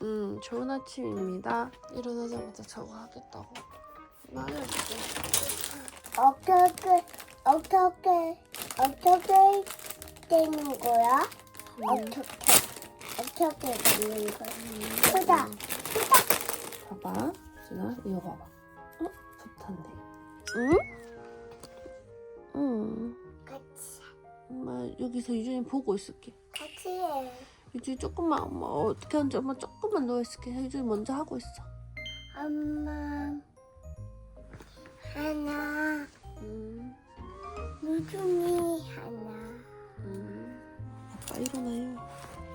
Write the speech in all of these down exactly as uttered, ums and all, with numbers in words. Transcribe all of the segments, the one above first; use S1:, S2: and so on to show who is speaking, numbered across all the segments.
S1: 음, 좋은 아침입니다. 일어나자마자 저거 하겠다고. 나 알려줄게.
S2: 어떻게 어떻게 어떻게 되는 거야?
S1: 음.
S2: 어떻게 어떻게 되는 거야? 보다
S1: 봐봐. 준아, 이거 봐봐. 어? 좋단데. 응? 응.
S2: 같이
S1: 엄마 여기서 유준이 보고 있을게.
S2: 같이 해.
S1: 유준이 조금만, 엄마 어떻게 하는지 엄마 조금만 누워있을게. 유준이 먼저 하고 있어.
S2: 엄마 하나
S1: 음,
S2: 유준이 하나
S1: 음. 아빠 일어나요.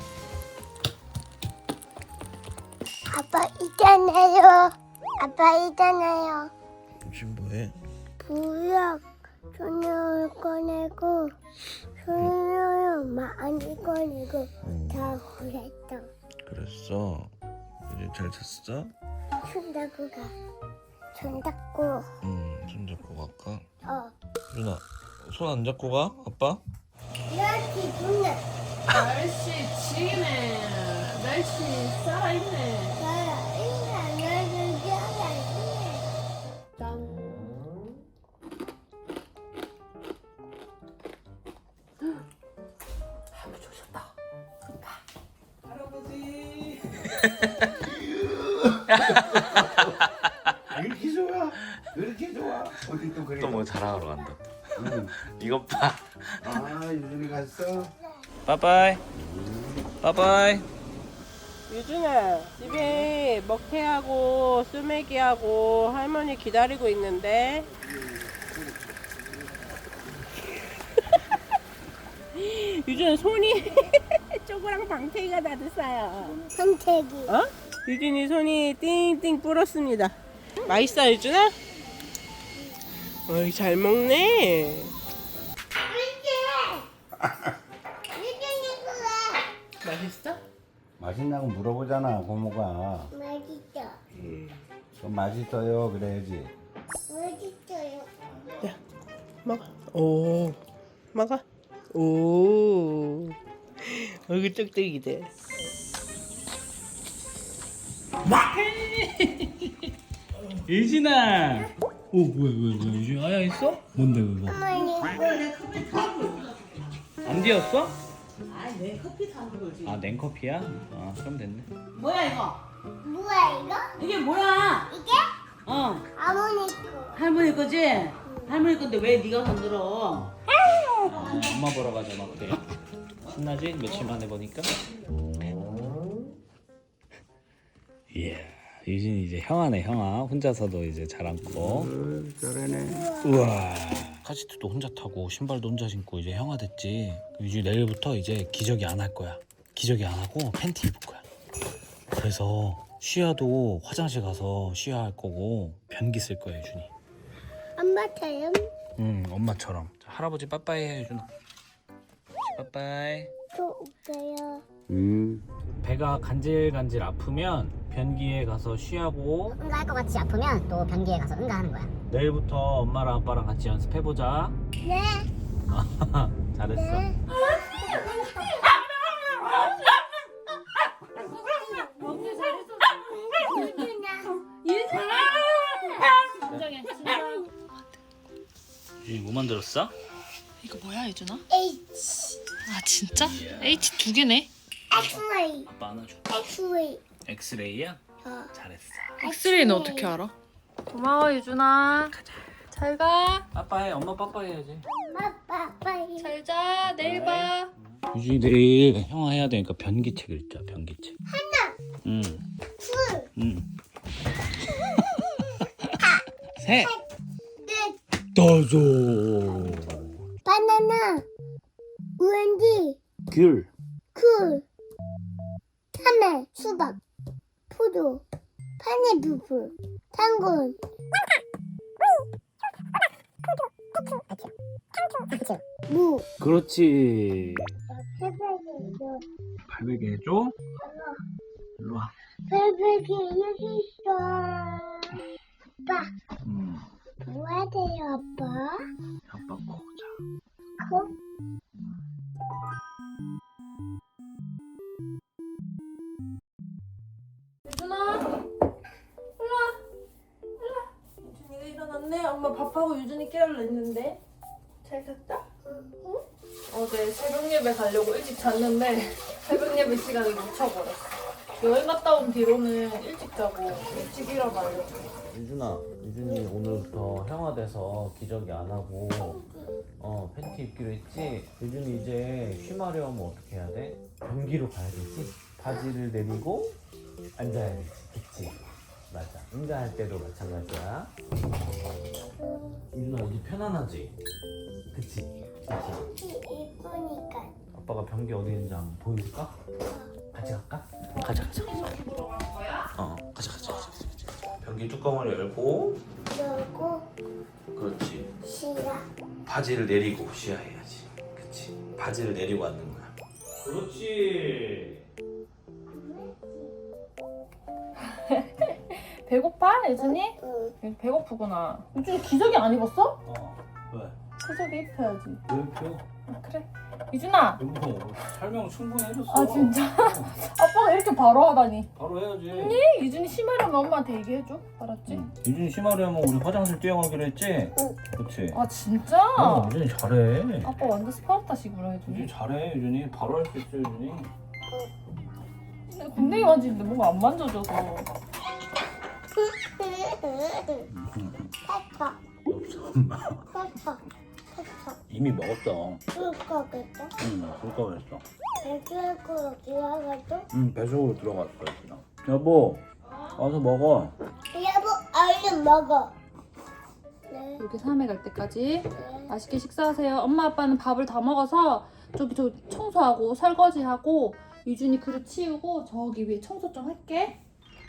S2: 아빠 있잖아요. 아빠 있잖아요.
S3: 지금 뭐해?
S2: 부엌 손을 꺼내고 손을 많이 꺼내고
S3: 응.
S2: 다 그랬어.
S3: 그랬어. 이제 잘 잤어?
S2: 손 닦고 가. 손 닦고
S3: 응. 손 잡고 갈까?
S2: 어.
S3: 유나, 손 안 잡고 가? 아빠?
S2: 이렇게 눈을
S1: 날씨 지네. 날씨 살아있네.
S2: 나라 인간 나를 잘하네.
S1: 짠. 할아버지 오셨다.
S4: 할아버지.
S5: 이렇게 좋아? 이렇게 좋아? 어디 또 그래?
S3: 또 뭐 자랑하러 간다.
S5: 응.
S3: 이것 봐.
S5: 아 유준이 갔어?
S3: 빠빠이. 빠빠이.
S4: 유준아, 집에 먹태하고 수메기하고 할머니 기다리고 있는데. 유준아 손이 쪼그랑 방태기가 다 됐어요.
S2: 선택이.
S4: 어? 유준이 손이 띵띵 불었습니다. 맛있어 유준아? 어이 잘 먹네.
S2: 유준이 그래.
S4: 맛있어?
S5: 맛있냐고 물어보잖아 고모가.
S2: 맛있어.
S5: 그럼 맛있어요 그래야지.
S2: 맛있어요.
S4: 야 먹어. 오 먹어. 오 얼굴 쩍쩍이 돼.
S6: 예진아. 오 뭐야 뭐야 뭐야 유진 아야 있어? 뭔데 그거?
S2: 어머니
S6: 안 뒤었어? 아내 커피 타는 거지. 아 냉커피야? 아 그럼 됐네.
S7: 뭐야 이거?
S2: 뭐야 이거?
S7: 이게 뭐야?
S2: 이게
S7: 어
S2: 어머니 거.
S7: 할머니 거지? 할머니 건데 왜 네가 건드려?
S6: 아, 엄마 보러 가잖아 그래. 신나지? 며칠 만에 보니까. 이야 유진이 이제 형아네 형아. 혼자서도 이제 잘 안고.
S5: 저러네.
S6: 우와. 카시트도 혼자 타고 신발도 혼자 신고 이제 형아 됐지. 유진이 내일부터 이제 기저귀 안 할 거야. 기저귀 안 하고 팬티 입을 거야. 그래서 쉬어도 화장실 가서 쉬어야 할 거고 변기 쓸 거야 유준이.
S2: 엄마처럼
S6: 응 엄마처럼. 자, 할아버지 빠빠이 해 유준아. 빠빠이.
S2: 또 웃겨요.
S6: 음. 배가 간질간질 아프면 변기에 가서 쉬하고
S8: 응가할 것 같이 아프면 또 변기에 가서 응가하는 거야.
S6: 내일부터 엄마랑 아빠랑 같이 연습해보자.
S2: 네.
S6: 잘했어.
S2: 네.
S6: 유진이 뭐 만들었어?
S1: 이거 뭐야, 유준아?
S2: H
S1: 아, 진짜? H 두 개네?
S2: X-ray
S6: 아빠 안아줘.
S2: X-ray.
S6: 엑스레이야?
S2: 어.
S6: 잘했어.
S1: 엑스레이는 어떻게 알아? 고마워, 유준아. 잘 가.
S6: 빠빠이. 엄마 빠빠이 해야지.
S2: 엄마 빠빠이.
S1: 잘 자. 내일 봐.
S6: 유진이 내일 형아 해야 되니까 변기책 읽자. 변기책.
S2: 하나,
S6: 응.
S2: 둘,
S6: 응. 셋.
S2: 넷.
S6: 다섯.
S2: 바나나, 우엔디,
S6: 귤.
S2: 쿨, 참외, 수박, 포도, 파인애플, 당근, 무.
S6: 그렇지.
S2: 베베기,
S6: 발베개 해줘. 일로 와.
S2: 베베기 여기 있어. 아빠,
S6: 음.
S2: 뭐 해야 돼요, 아빠?
S6: 아빠 코 자.
S2: 코?
S1: 잤네? 엄마 밥하고 유준이 깨울라 했는데. 잘 잤다? 응? 어제 새벽 예배 가려고 일찍 잤는데 새벽 예배 시간을 놓쳐버렸어. 여행 갔다 온 뒤로는 일찍 자고 일찍 일어나려고.
S6: 유준아, 유준이 오늘부터 형아돼서 기저귀 안 하고 어 팬티 입기로 했지? 유준이 이제 쉬마려면 어떻게 해야 돼? 변기로 가야 되지? 바지를 내리고 앉아야 되지, 그치? 맞아, 응가할 때도 마찬가지야. 유준아 어디 편안하지? 그치? 그치?
S2: 이쁘니까.
S6: 아빠가 변기 어디 있는지 한번 보여줄까? 같이 갈까? 가자 가자 가자. 어 가자 가자 가자. 변기 뚜껑을 열고
S2: 그리고
S6: 그렇지.
S2: 싫어.
S6: 바지를 내리고 쉬어야지. 그치. 바지를 내리고 앉는 거야. 그렇지.
S1: 배고파, 예준이?
S2: 응.
S1: 배고프구나. 유준이 기저귀 안 입었어?
S6: 어. 왜?
S1: 기저귀 입혀야지.
S6: 왜 이렇게?
S1: 아, 그래. 유준아.
S6: 여보 설명 충분히 해줬어.
S1: 아 진짜? 아빠가 이렇게 바로 하다니.
S6: 바로 해야지.
S1: 아니, 유준이 심하려면 엄마한테 얘기해줘. 알았지?
S6: 응. 유준이 심하려면 우리 화장실 뛰어가기로 했지?
S2: 응.
S6: 그치?
S1: 아 진짜?
S6: 어, 유준이 잘해.
S1: 아빠 완전 스파르타식으로 해주네.
S6: 유준이 잘해. 유준이 바로 할 수 있어 유준이.
S1: 근데 군대에 만지는데 뭔가 안 만져줘서.
S2: 페퍼.
S6: 엄마.
S2: 페퍼. 페퍼.
S6: 이미 먹었어.
S2: 줄 거겠다.
S6: 응, 그거 했어.
S2: 배추에서 들어가도.
S6: 응, 뱃속으로 들어갔어, 유준아. 여보, 와서 먹어.
S2: 여보, 얼른 먹어. 네.
S1: 이렇게 삼회 갈 때까지
S2: 네.
S1: 맛있게 식사하세요. 엄마 아빠는 밥을 다 먹어서 저기 저 청소하고 설거지하고 유준이 그릇 치우고 저기 위에 청소 좀 할게.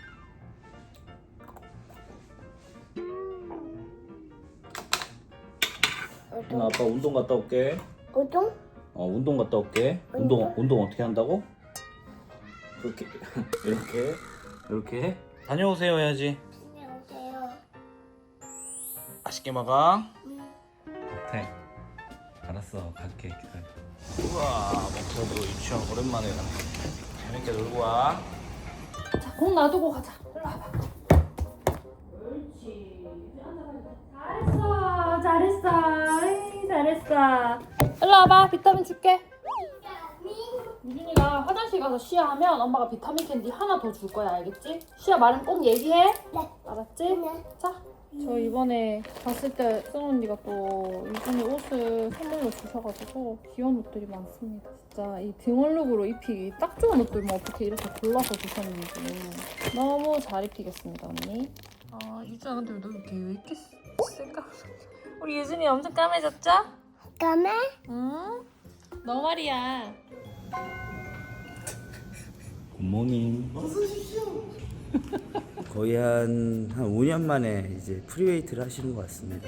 S6: 유준아, 아빠 운동 갔다 올게.
S2: 우동?
S6: 어, 운동 갔다 올게. 운동, 운동 어떻게 한다고? 그렇게, 이렇게, 이렇게 해. 다녀오세요 해야지.
S2: 안녕하세요.
S6: 맛있게 먹어.
S2: 응.
S6: 못해. 알았어, 갈게. 기다려. 우와, 목표도 유치원 오랜만에 가네. 재밌게 놀고 와.
S1: 자, 공 놔두고 가자. 일로 와봐. 옳지. 잘했어, 잘했어, 에이, 잘했어. 일로 와봐, 비타민 줄게. 유준이가 화장실 가서 쉬어하면 엄마가 비타민 캔디 하나 더 줄 거야, 알겠지? 쉬어 말은 꼭 얘기해.
S2: 네.
S1: 알았지?
S2: 네.
S1: 자. 저 이번에 갔을 때 승우 언니가 또 유준이 옷을 선물로 주셔가지고 귀여운 옷들이 많습니다. 진짜 이 등원룩으로 입히기 딱 좋은 옷들만 어떻게 이렇게 골라서 주셨는지 너무 잘 입히겠습니다, 언니. 아, 유준아 근데 너 이렇게 왜 이렇게 새까맣 우리 유준이 엄청 까매졌죠?
S2: 까매?
S1: 응? 너 말이야.
S6: 굿모닝.
S9: 거의 한, 한 오 년 만에 이제 프리웨이트를 하시는 것 같습니다.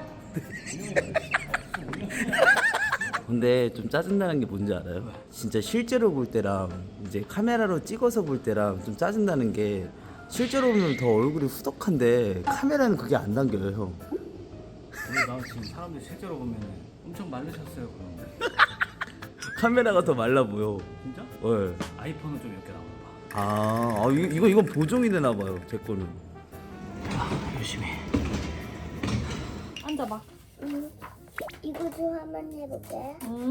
S9: 근데 좀 짜증나는 게 뭔지 알아요? 진짜 실제로 볼 때랑 이제 카메라로 찍어서 볼 때랑 좀 짜증나는 게 실제로 보면 더 얼굴이 후덕한데 카메라는 그게 안 당겨요, 형.
S6: 근데 나 지금 사람들 실제로 보면 엄청 말르셨어요, 그럼.
S9: 카메라가 더 말라 보여.
S6: 진짜?
S9: 네.
S6: 아이폰은 좀 이렇게 나오나 봐.
S9: 아, 아 이거, 이거, 이건 보정이 되나 봐요, 제 거는.
S6: 열심히.
S1: 앉아봐.
S2: 응. 이거 좀 한번 해볼게.
S1: 응?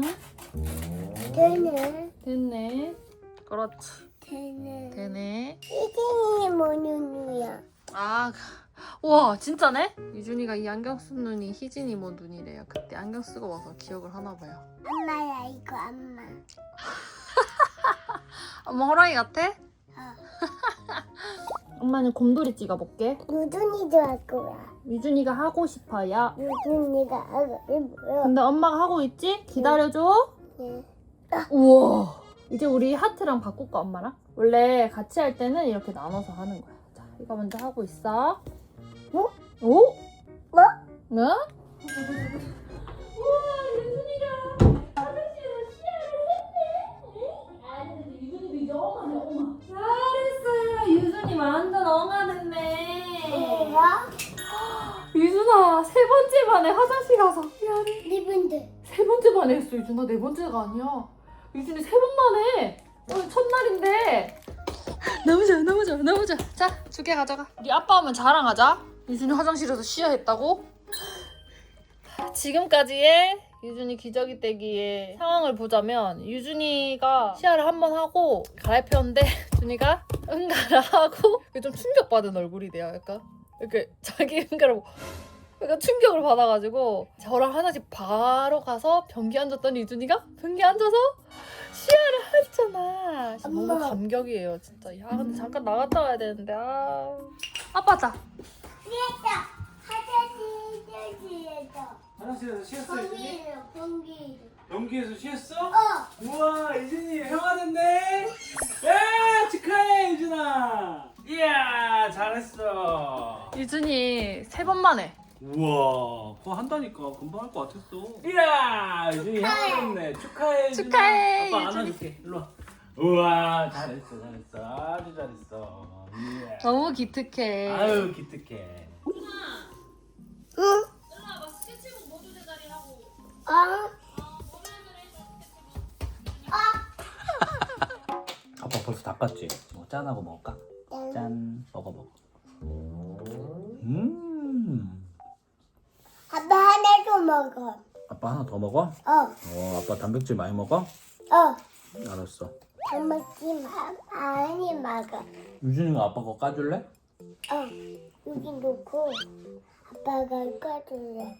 S2: 되네.
S1: 됐네. 그렇지.
S2: 되네.
S1: 되네.
S2: 이진이 모눈이야.
S1: 아, 우와 진짜네? 유준이가 이 안경 쓴 눈이 희진이 뭐 눈이래요. 그때 안경 쓰고 와서 기억을 하나 봐요.
S2: 엄마야, 이거 엄마.
S1: 엄마 호랑이 같아?
S2: 어.
S1: 엄마는 곰돌이 찍어볼게.
S2: 유준이도 할 거야.
S1: 유준이가 하고 싶어요.
S2: 유준이가 하고 싶어요.
S1: 근데 엄마가 하고 있지? 기다려줘.
S2: 네.
S1: 우와. 이제 우리 하트랑 바꿀까 엄마랑? 원래 같이 할 때는 이렇게 나눠서 하는 거야. 자, 이거 먼저 하고 있어.
S2: 뭐?
S1: 오?
S2: 뭐?
S1: 뭐? 우와, 유준이가 화장실에서 시야를 했네. 아니, 유준이도 이제 엉아네, 엉아. 잘했어요. 유준이 완전 엉아 됐네.
S2: 뭐야?
S1: 유준아, 세 번째 만에 화장실 가서 미안해.
S2: 리본드.
S1: 세 번째 만에 했어, 유준아. 네 번째가 아니야. 유준이 세 번 만에. 오늘 첫날인데. 너무 좋아, 너무 좋아, 너무 좋아. 자, 두 개 가져가. 우리 아빠 오면 자랑하자. 유준이 화장실에서 시야했다고? 지금까지의 유준이 기저귀 떼기의 상황을 보자면 유준이가 시야를 한 번 하고 갈아입혔는데 준이가 응가를 하고 좀 충격받은 얼굴이 돼요. 약간 이렇게 자기 응가를 보고 약간 충격을 받아가지고 저랑 화장실 바로 가서 변기 앉았더니 유준이가 변기 앉아서 시야를 했잖아. 진짜 너무
S2: 엄마.
S1: 감격이에요 진짜. 야 근데 잠깐 나갔다 와야 되는데 아 아빠다.
S6: 화장실에서 쉬었어
S2: 공기로 공기로.
S6: 연기에서 쉬었어?
S2: 어.
S6: 우와 유준이 형아 됐네. 야 축하해 유준아. 이야 잘했어.
S1: 유준이 세 번 만에.
S6: 우와 그거 한다니까 금방 할 것 같았어. 이야 유준이 형아 됐네. 축하해 유준아.
S1: 축하해,
S6: 아빠
S1: 유준이.
S6: 안아줄게 일로 와. 우와 잘했어 잘했어 아주 잘했어. 이야.
S1: 너무 기특해.
S6: 아유 기특해.
S2: 응. 어.
S6: 아빠 벌써 닦았지? 뭐 짠하고 먹을까? 짠 먹어 먹어. 음
S2: 아빠 하나도 먹어.
S6: 아빠 하나 더 먹어?
S2: 어.
S6: 어 아빠 단백질 많이 먹어?
S2: 어.
S6: 알았어.
S2: 다 먹지 마. 많이 먹어.
S6: 유준이가 아빠 거 까줄래?
S2: 어. 여기 놓고 아빠가 꺼줄래.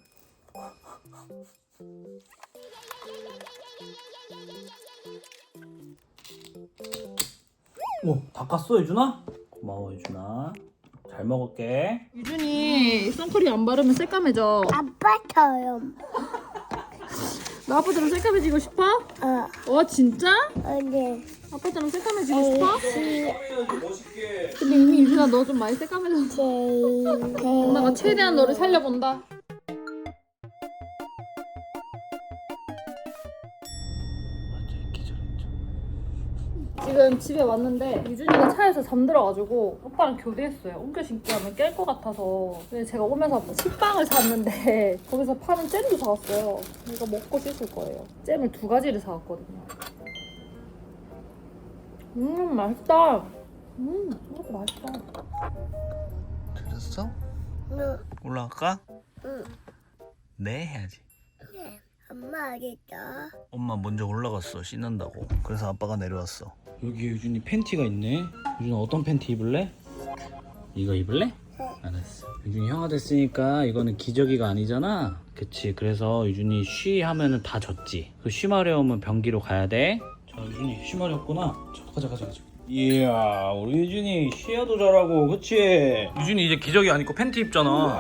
S6: 오 닦았어 유준아? 고마워 유준아. 잘 먹을게.
S1: 유준이 선크림 안 바르면 새까매져.
S2: 아빠처럼.
S1: 너 아빠처럼 새까매지고 싶어?
S2: 어.
S1: 어 진짜?
S2: 어디?
S1: 아빠처럼 새까매지고 싶어?
S6: 멋있게.
S1: 근데 이미 유준아 너 좀 많이 새까매졌어.
S2: 제일.
S1: 엄마가 최대한 너를 살려본다.
S6: 완전 기절했죠.
S1: 지금 집에 왔는데 유준이가 차에서 잠들어가지고 오빠랑 교대했어요. 옮겨 신기 하면 깰 것 같아서. 근데 제가 오면서 식빵을 샀는데 거기서 파는 잼도 사왔어요. 이거 먹고 씻을 거예요. 잼을 두 가지를 사왔거든요. 음 맛있다. 음 이것도 맛있다.
S3: 들었어?
S2: 응.
S3: 올라갈까?
S2: 응.
S3: 네 해야지.
S2: 엄마 어딨어?
S3: 엄마 먼저 올라갔어 씻는다고. 그래서 아빠가 내려왔어.
S6: 여기 유준이 팬티가 있네. 유준아 어떤 팬티 입을래? 이거 입을래?
S2: 응.
S6: 알았어. 유준이 형아 됐으니까 이거는 기저귀가 아니잖아. 그치. 그래서 유준이 쉬 하면은 다 젖지. 그 쉬 마려우면 변기로 가야 돼. 자 유준이 쉬 마렵구나. 자 가자 가자 가자. 이야 우리 유준이 쉬야도 잘하고 그치? 유준이 이제 기저귀 안 입고 팬티 입잖아.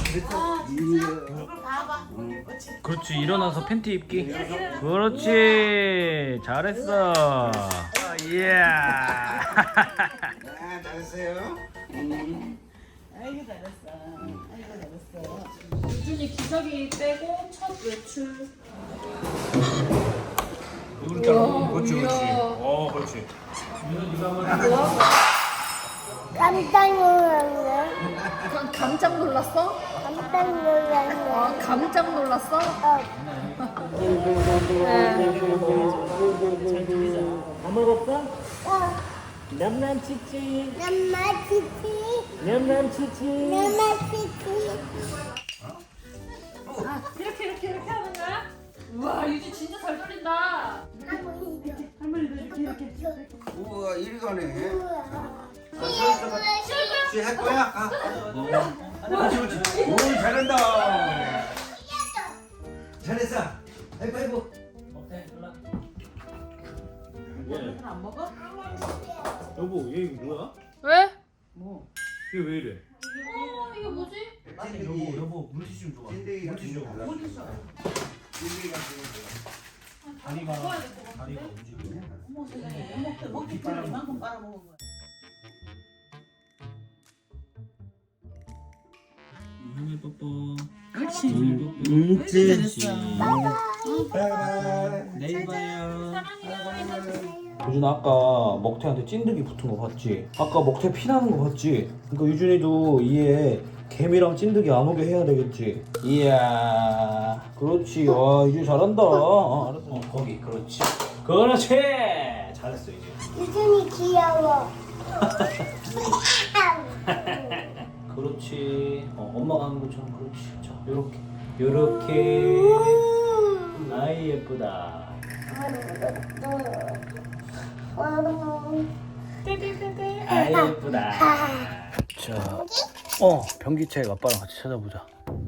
S6: 그렇지 일어나서 팬티 입기. 그렇지 잘했어. 이야.
S5: 아, 잘했어요.
S1: 유준이 기저귀 빼고 첫 외출.
S6: 그렇지 그렇지. 어 그렇지.
S2: 깜짝 놀랐네.
S1: 감, 깜짝 놀랐어?
S2: 깜짝 놀랐네.
S1: 아 깜짝 놀랐어?
S2: 어. 어.
S4: 남남치치
S2: 남마치치.
S4: 남남치치
S2: 남마치치.
S1: 이렇게 이렇게 이렇게 하는 거야? 우와 유준 진짜 잘 돌린다.
S5: 우와, 이리 가네.
S2: 우와.
S5: 할 거야? 아, 그렇지, 그렇지. 오, 잘한다. 잘했어. 아이고, 아이고.
S7: 안 먹어?
S6: 여보 얘 이거 뭐야?
S1: 왜?
S6: 뭐? 얘 왜 이래?
S1: 어 이거 뭐지?
S6: 여보 여보 물티슈 좀 줘봐.
S5: 찐득이 같은
S6: 물티슈
S5: 거
S6: 좀
S5: 몰라.
S6: 줘봐.
S5: 찐득이 같은 거
S6: 다리가 다리가 움직이네.
S7: 어머 세상에 먹기 먹기 편해 이만큼 빨아먹은 거야.
S6: 형이 뽀뽀.
S7: 그렇지.
S6: 응,
S7: 잘했어.
S5: 바이바이.
S6: 내일 봐요. 유준아 아까 먹태한테 찐득이 붙은 거 봤지? 아까 먹태 피나는 거 봤지? 그러니까 유준이도 이에 개미랑 찐득이 안 오게 해야 되겠지? 이야 그렇지. 와 유준이 잘한다. 어, 알았어. 어, 거기 그렇지. 그렇지. 잘했어 이제.
S2: 유준이 귀여워.
S6: 그렇지. 어 엄마가 하는 것처럼. 그렇지. 자, 요렇게 요렇게. 아이 예쁘다. 아이 예쁘다. 자, 어 변기책 아빠랑 같이 찾아보자.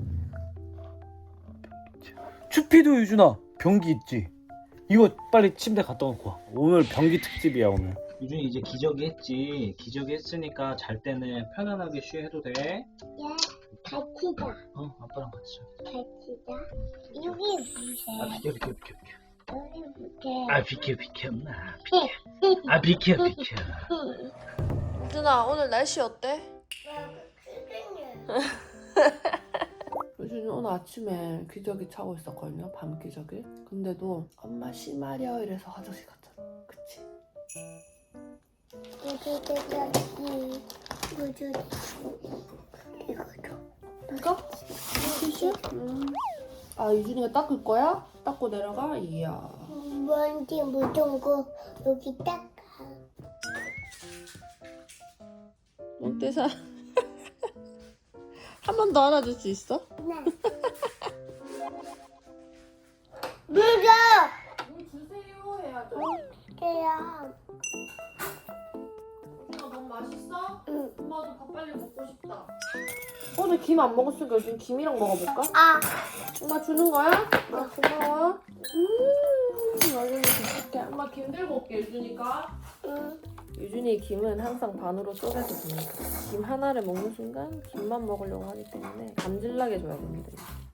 S6: 변기책. 추피도 유준아 변기 있지? 이거 빨리 침대 갖다 놓고 와. 오늘 변기 특집이야 오늘. 유준이 이제 기저귀 했지. 기저귀 했으니까 잘 때는 편안하게 쉬해도 돼.
S2: 예, 같이다.
S6: 어 아빠랑 같이 자.
S2: 같이다. 여기 보세요.
S6: 아 비켜 비켜 비켜 비켜.
S2: 여기 보세요.
S6: 아 비켜 비켜 나 비켜. 아 비켜 비켜.
S1: 유준아 오늘 날씨 어때?
S10: 요즘 오늘 아침에 기저귀 차고 있었거든요. 밤 기저귀. 근데도 엄마 심하려 이래서 화장실 갔잖아. 그치?
S2: 여기 여기 이거도.
S10: 이거? 티슈? 음. 아 유준이가 닦을 거야? 닦고 내려가? 이야.
S2: 먼지 묻은 거 여기 닦아.
S10: 몬테사 한 번 더 안아줄 수 있어?
S2: 네. 물어.
S10: 물 주세요 해야죠.
S2: 그래요.
S10: 유준아 너무 맛있어?
S2: 응.
S10: 엄마도 밥 빨리 먹고 싶다. 오늘 김 안 먹었으니까 요즘 김이랑 먹어볼까?
S2: 아.
S10: 엄마 주는 거야? 아 고마워. 음, 나중에 줄게. 엄마 김 들고 올게 유준이가.
S2: 응.
S10: 유준이 김은 항상 반으로 쪼개서 줍니다. 김 하나를 먹는 순간 김만 먹으려고 하기 때문에 감질나게 줘야 됩니다.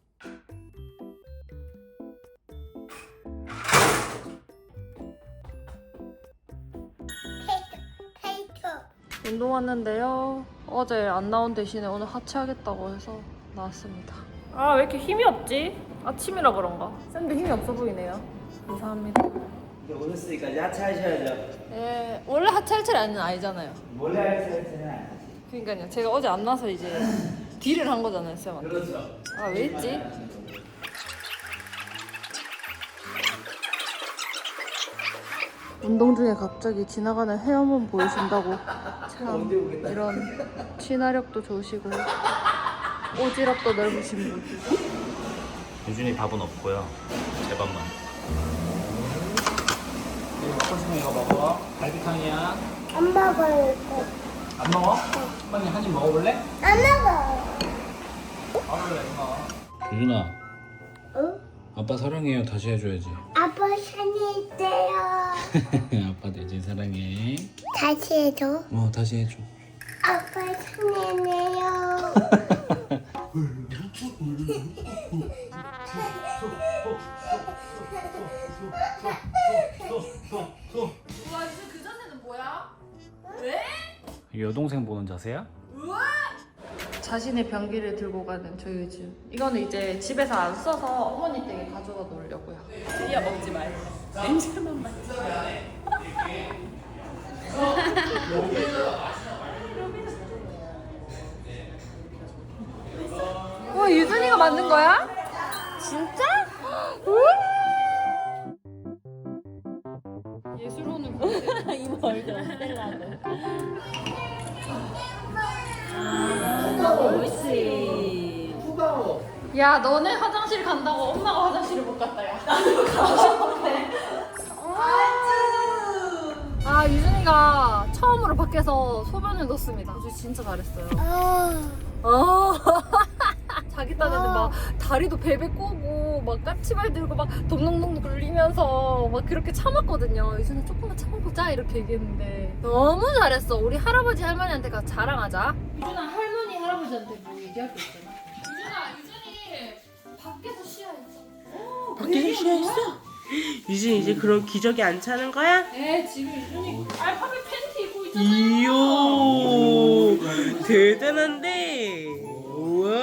S2: 페이토.
S1: 운동 왔는데요. 어제 안 나온 대신에 오늘 하체하겠다고 해서 나왔습니다. 아 왜 이렇게 힘이 없지? 아침이라 그런가? 쌤도 힘이 없어 보이네요. 감사합니다.
S9: 이제 오셨으니까 야채 하셔야죠.
S1: 예, 원래 하체할 차례 아니는 아니잖아요.
S9: 몰래 하셔야지.
S1: 그러니까요. 제가 어제 안 나서 이제 딜을 한 거잖아요, 쌤한테.
S9: 그렇죠.
S1: 아 왜 있지? 운동 중에 갑자기 지나가는 헤어문 보여준다고 참 이런 친화력도 좋으시고 오지랖도 넓으신 분.
S6: 유준이 밥은 없고요. 제 밥만. 이거 먹고 싶으면 이거 먹어. 갈비탕이야.
S2: 안 먹어요. 이거.
S6: 안 먹어? 빨리 한 입 먹어볼래?
S2: 안 먹어요.
S6: 먹을래 엄마. 유준아.
S2: 응?
S6: 아빠 사랑해요. 다시 해줘야지.
S2: 아빠 산에 있어요.
S6: 아빠 대신 사랑해.
S2: 다시 해줘.
S6: 어 다시 해줘.
S2: 아빠 산에네요.
S1: 우와 이제 그 자세는 뭐야? 왜?
S6: 여동생 보는 자세야?
S1: 자신의 변기를 들고 가는 조유주. 이거는 이제 집에서 안 써서 어머니 댁에 가져다 놓으려고요. 이야 먹지 말고 냄새만 맡지. 와 유준이가 만든 거야? 진짜? 예술로는 이모 얼굴 스텔라도. 옳지. 야 너네 화장실 간다고 엄마가 화장실을 못 갔다 야. 나도 가고 싶은데. 아 유준이가 처음으로 밖에서 소변을 넣었습니다. 유준이 진짜 잘했어요. 어. 자기 딴에는 막 다리도 베베 꼬고 막 까치발 들고 막 동동동 굴리면서 막 그렇게 참았거든요. 유준이 조금만 참아보자 이렇게 얘기했는데 너무 잘했어. 우리 할아버지 할머니한테 가서 자랑하자. 유준아 할머니 할아버지한테 뭐 얘기할 거 있잖아. 유준아 유준이 밖에서 쉬어야지.
S7: 밖에서 쉬어있어? 유진 이제 그럼 기저귀 안 차는 거야?
S1: 네 지금 유준이 알파벳 팬티 입고 있잖아.
S7: 이야 대단한데. 우와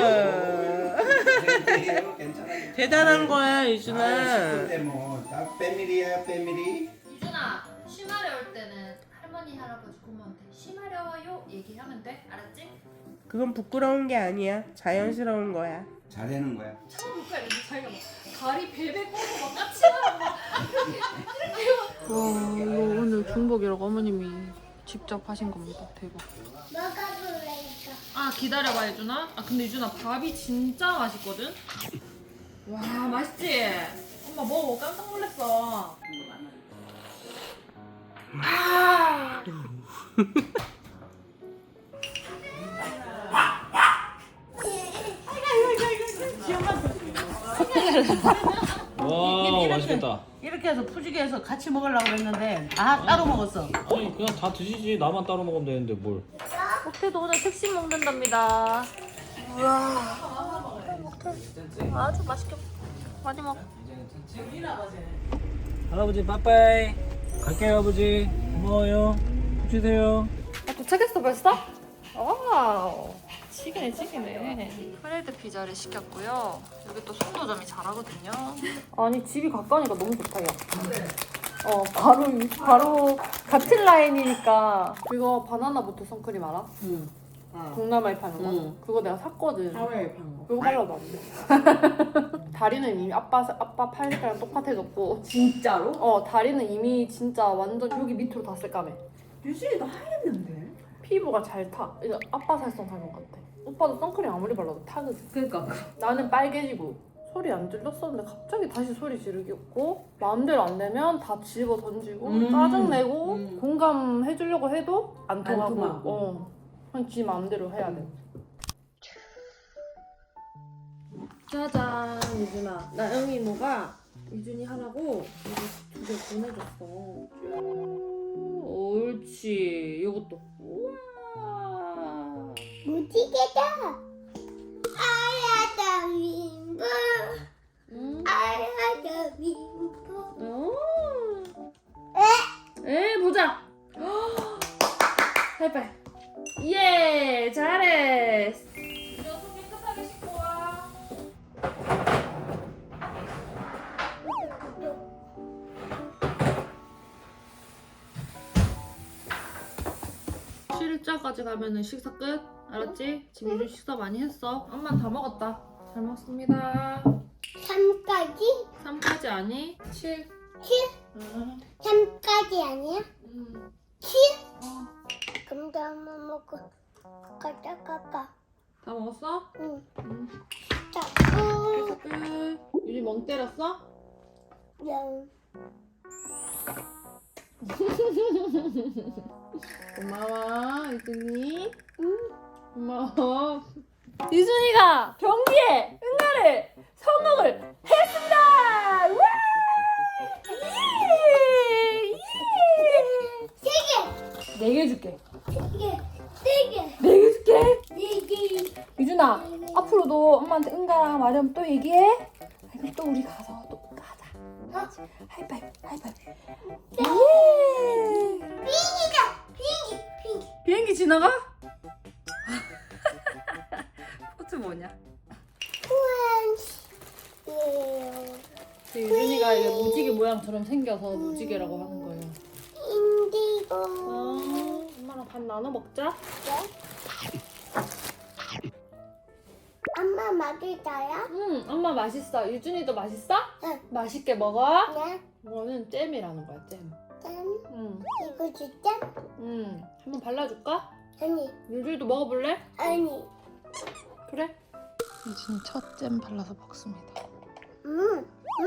S7: 대단한 거야 유준아.
S5: 뭐딱 패밀리야 패밀리.
S1: 유준아 쉬마려 올 때는 할머니 할아버지 고모한테 쉬마려워요 얘기하면 돼 알았지?
S7: 그건 부끄러운 게 아니야. 자연스러운 거야.
S5: 잘하는 거야.
S1: 참아볼까 이랬는데 자기가 막 다리 베베 꼬고 막 까치가 막 이렇게 이렇게 와 이거 오늘 중복이라고 어머님이 직접 하신 겁니다. 대박.
S2: 먹어볼래 이거.
S1: 아 기다려봐 유준아. 아 근데 유준아 밥이 진짜 맛있거든. 와 맛있지? 엄마 먹어 깜짝 놀랐어. 아.
S6: 와 맛있겠다.
S7: 이렇게 해서 푸지게 해서 같이 먹으려고 했는데 아 따로 먹었어.
S6: 아니 그냥 다 드시지. 나만 따로 먹으면 되는데 뭘.
S1: 호텔도 오늘 특식 먹는답니다. 우와. 아주 맛있게 많이 먹어.
S6: 할아버지 빠빠이. 갈게요 아버지. 고마워요. 쉬세요.
S1: 아, 도착했어 벌써? 와우. 치기네 치기네. 프레드 피자를 시켰고요. 여기 또 송도점이 잘하거든요. 아니 집이 가까우니까 너무 좋다 야. 어 바로 바로 같은 라인이니까. 이거 바나나 보트 선크림 알아?
S7: 응. 어.
S1: 동남아에 파는 거?
S7: 응.
S1: 그거 내가 샀거든.
S7: 하와이에 판 거.
S1: 그거 발라도 안 돼. 다리는 이미 아빠 아빠 팔 색깔랑 똑같아졌고.
S7: 진짜로?
S1: 어 다리는 이미 진짜 완전 여기 밑으로 다 새까매.
S7: 유진이도 하였는데.
S1: 피부가 잘 타. 이거 아빠 살성 닮은 것 같아. 오빠도 선크림 아무리 발라도 타거든.
S7: 그러니까.
S1: 나는 빨개지고 소리 안 질렀었는데 갑자기 다시 소리 지르겠고 마음대로 안 되면 다 집어 던지고
S7: 음.
S1: 짜증내고
S7: 음.
S1: 공감해주려고 해도 안 통하고,
S7: 통하고.
S1: 어. 그냥 지 마음대로 해야 돼.
S10: 짜잔 유준아. 나 영희 이모가 유준이 하라고 이거 두 개 보내줬어. 쭉. 옳지. 이것도. 우와.
S2: 무지개다. 아야다 민보.
S10: 응?
S2: 아야다 민보.
S10: 어. 에? 에 보자. 하이파이. 예 잘해.
S1: 손 깨끗하게 씻고 와.
S10: 칠자까지 가면은 식사 끝. 알았지? 지금 유준 식사 많이 했어. 엄마 다 먹었다. 잘 먹습니다.
S2: 삼까지?
S10: 삼까지 아니? 칠.
S2: 칠?
S10: 응.
S2: 삼까지 아니야?
S10: 응.
S2: 칠? 그럼 나 한번 먹고 가자 가자.
S10: 다 먹었어?
S2: 응.
S10: 응.
S2: 자꾸
S10: 식사 끝. 유준 멍 때렸어?
S2: 영.
S10: 고마워 유준이.
S2: 응.
S10: 고마워.
S1: 유준이가 경기에 응가를 성공을 했습니다. 와! 예! 예!
S2: 세 개.
S1: 네 개 줄게.
S2: 세 개. 네 개.
S1: 네 개 줄게.
S2: 네 개.
S1: 유준아, 앞으로도 엄마한테 응가랑 말하면 또 얘기해. 그리고 또 우리 가서 또 응가하자. 하이파이브, 하이파이브. 예!
S2: 비행기다. 비행기. 비행기.
S1: 비행기 지나가? 포즈 뭐냐?
S2: 우완. 예.
S1: 유준이가 이게 무지개 모양처럼 생겨서 무지개라고 하는 거예요.
S2: 인디고.
S1: 어, 엄마랑 밥 나눠 먹자.
S2: 엄마 맛있어요?
S1: 응, 엄마 맛있어. 유준이도 맛있어?
S2: 응.
S1: 맛있게 먹어.
S2: 네.
S1: 이거는 잼이라는 거야, 잼.
S2: 짠.
S1: 응,
S2: 이거 진짜?
S1: 응. 한번 발라줄까?
S2: 아니.
S1: 유준이도 먹어볼래?
S2: 아니.
S1: 그래? 유준이 첫 잼 발라서 먹습니다.
S2: 음.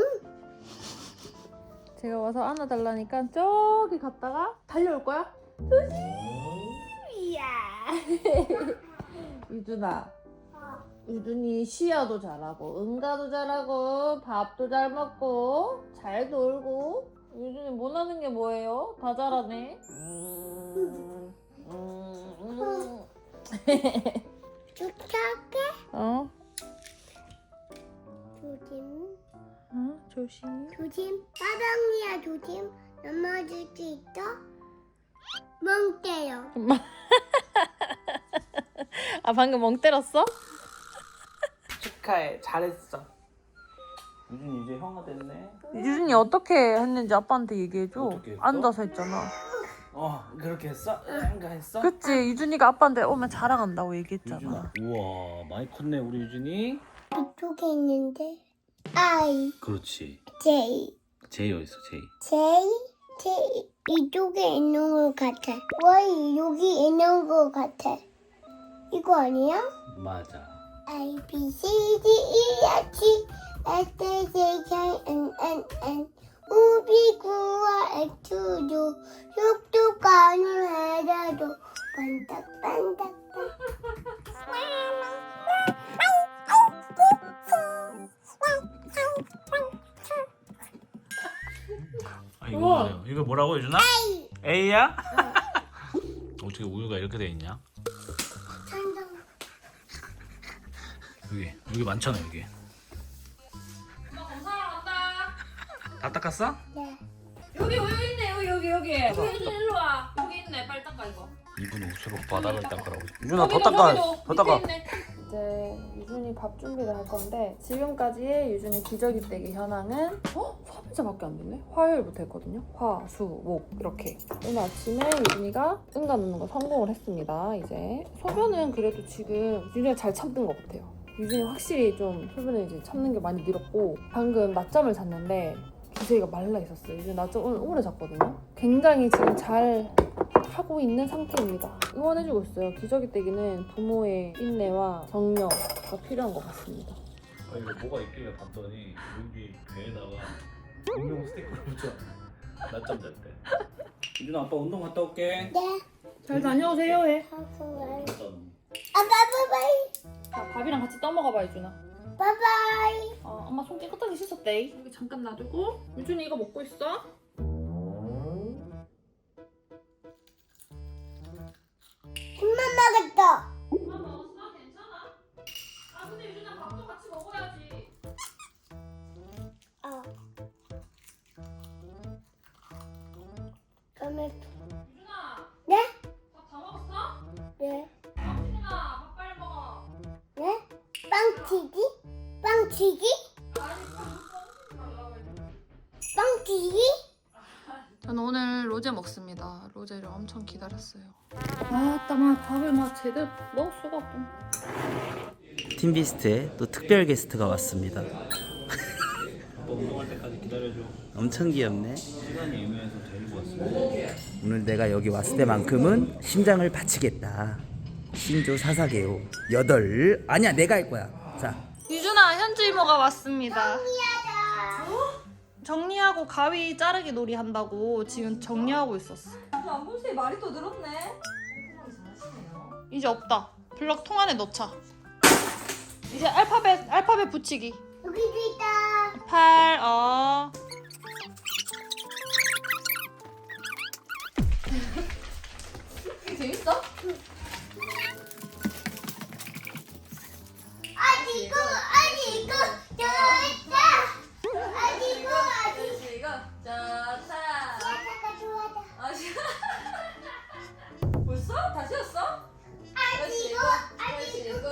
S1: 제가 와서 안아달라니까 저기 갔다가 달려올 거야? 조심! 이야! 유준아. 유준이 시야도 잘하고 응가도 잘하고 밥도 잘 먹고 잘 놀고 유준이 못하는 게 뭐예요? 다 잘하네. 음, 음, 음.
S2: 좋게.
S1: 어?
S2: 조심.
S1: 어? 조심.
S2: 조심. 빠방이야 조심. 넘어질 수 있어? 멍 때려.
S1: 아 방금 멍 때렸어?
S7: 축하해. 잘했어.
S3: 유준 이제 형아 됐네.
S1: 유준이 어떻게 했는지 아빠한테 얘기해줘.
S3: 어떻게 했어?
S1: 앉아서 했잖아.
S3: 어 그렇게 했어? 형가 했어?
S1: 그치? 유준이가 아빠한테 오면 자랑한다고 얘기했잖아.
S3: 유준아. 우와 많이 컸네 우리 유준이.
S2: 이쪽에 있는데. I,
S3: 그렇지.
S2: J,
S3: 제이 어딨어 제이?
S2: J, J, 이쪽에 있는 것 같아. Y 여기 있는 것 같아. 이거 아니야?
S6: 맞아.
S2: A B C D E F G H I J K L M N O P Q R S T U 육도 가능해도 반짝반짝.
S6: 아 이거 뭐예요? 이거 뭐라고 유준아? A야? 어떻게 우유가 이렇게 돼 있냐? 여기 여기 많잖아 여기.
S10: 엄마 검사하러 간다.
S6: 다 닦았어?
S2: 네.
S10: 여기 우유 있네. 여기 여기 여기. 유준 일로 와. 여기 있네. 빨리 닦아 이거.
S6: 이분 옷으로 바닥을 닦으라고. 유준아 더
S10: 여기도,
S6: 닦아.
S10: 여기도.
S6: 더 닦아.
S10: 밑에 있네.
S1: 이제 유준이 밥 준비를 할 건데 지금까지의 유준이 기저귀 떼기 현황은 어? 삼 일째밖에 안 됐네? 화요일부터 했거든요. 화, 수, 목 이렇게. 오늘 아침에 유준이가 응가 넣는 거 성공을 했습니다. 이제 소변은 그래도 지금 유준이가 잘 참는 것 같아요. 유준이 확실히 좀 소변을 이제 참는 게 많이 늘었고 방금 낮잠을 잤는데 기저귀가 말라 있었어요. 유준이 낮잠 오늘 오래 잤거든요. 굉장히 지금 잘 하고 있는 상태입니다. 응원해주고 있어요. 기저귀 떼기는 부모의 인내와 격려가 필요한 것 같습니다.
S6: 아 이거 뭐가 있길래 봤더니 여기 배에다가 공룡 스티커를 붙여. 낮잠 잘 때. 유준아 아빠 운동 갔다 올게.
S2: 네.
S1: 잘 다녀오세요 해.
S2: 하고
S6: 일단
S2: 아, 바이바이.
S1: 자, 밥이랑 같이 떠먹어봐 유준아.
S2: 바이바이.
S1: 어, 엄마 손 깨끗하게 씻었대. 여기 잠깐 놔두고 유준이 이거 먹고 있어.
S2: 김만 먹었다.
S10: 엄마 먹었어? 괜찮아? 아 근데 유준아 밥도 같이 먹어야지.
S2: 어. 그러면
S10: 유준아
S2: 네?
S10: 밥 다 먹었어?
S2: 네.
S10: 유준아 밥 빨리 먹어.
S2: 네? 빵튀기? 빵튀기?
S10: 아니 밥 먹고 말라고 했는데.
S2: 빵튀기?
S1: 저는 오늘 로제 먹습니다. 로제를 엄청 기다렸어요. 아, 따마 밥을 막 제대로 먹을 수가 없고.
S9: 팀비스트에 또 특별 게스트가 왔습니다.
S6: 아빠 운동할 때까지 기다려줘.
S9: 엄청 귀엽네.
S6: 시간이 애매해서 데리고 왔어.
S9: 오늘 내가 여기 왔을 때만큼은 심장을 바치겠다. 신조 사사게요. 여덟. 아니야 내가 할 거야. 자.
S1: 유준아, 현주 이모가 왔습니다. 정리하고 가위 자르기 놀이 한다고 지금 정리하고 있었어.
S10: 안본 사이 말이 더 늘었네.
S1: 이제 없다. 블럭 통 안에 넣자. 이제 알파벳 알파벳 붙이기.
S2: 여기도 있다.
S1: 팔, 어.
S10: 이게 재밌어?
S2: 아니 이거 아니 이거 좋았다. 아니 이거 아니
S10: 이거 좋다.
S2: 야자가 좋아다.
S10: 아 씨. 벌써? 다 지웠어?
S2: 아니 이거 아니 이거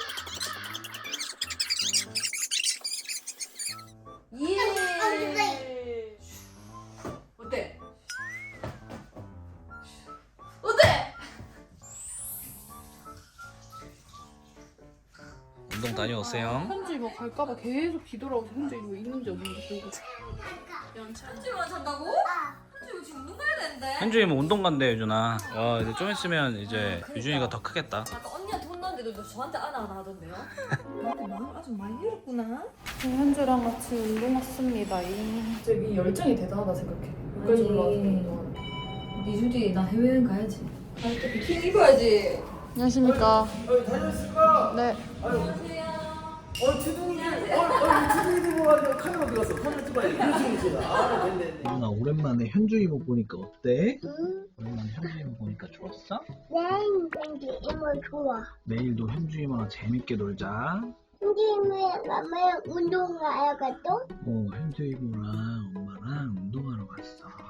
S10: 예. 어때? 어때?
S6: 운동 다녀오세요.
S1: 현주 이모 갈까봐 계속 뒤돌아오서 현주 이모 있는지 없는지 보고.
S10: 한주만 잔다고? 한주 지금 운동 가야 되는데.
S6: 현주이 뭐 운동 간대 유준아. 어 이제 좀 있으면 이제 유준이가 더 크겠다.
S10: 아까 언니한테 혼났는데도 저한테 안아 안아 하던데요? 나한테 마음 아주 많이 잃었구나.
S1: 현주랑 같이 운동 왔습니다. 저기 열정이 대단하다 생각해. 여기까지 올라와서.
S10: 미주디 나 해외여행 가야지. 갈 때 비키니 입어야지.
S1: 안녕하십니까. 네.
S10: 안녕하세요.
S4: 어 주둥이 어, 어 주둥이 들고 가지고 카메라 들었어. 카메라 찍어야지. 그렇지 그렇지. 아 됐네 됐네.
S3: 유준아 오랜만에 현주 이모 보니까 어때? 오랜만에 현주 이모 보니까 좋았어?
S2: 난 근데 이모 좋아.
S3: 내일도 현주 이모랑 재밌게 놀자.
S2: 근데 왜 엄마랑 운동 가야겠어?
S3: 어 현주 이모랑 엄마랑 운동하러 갔어.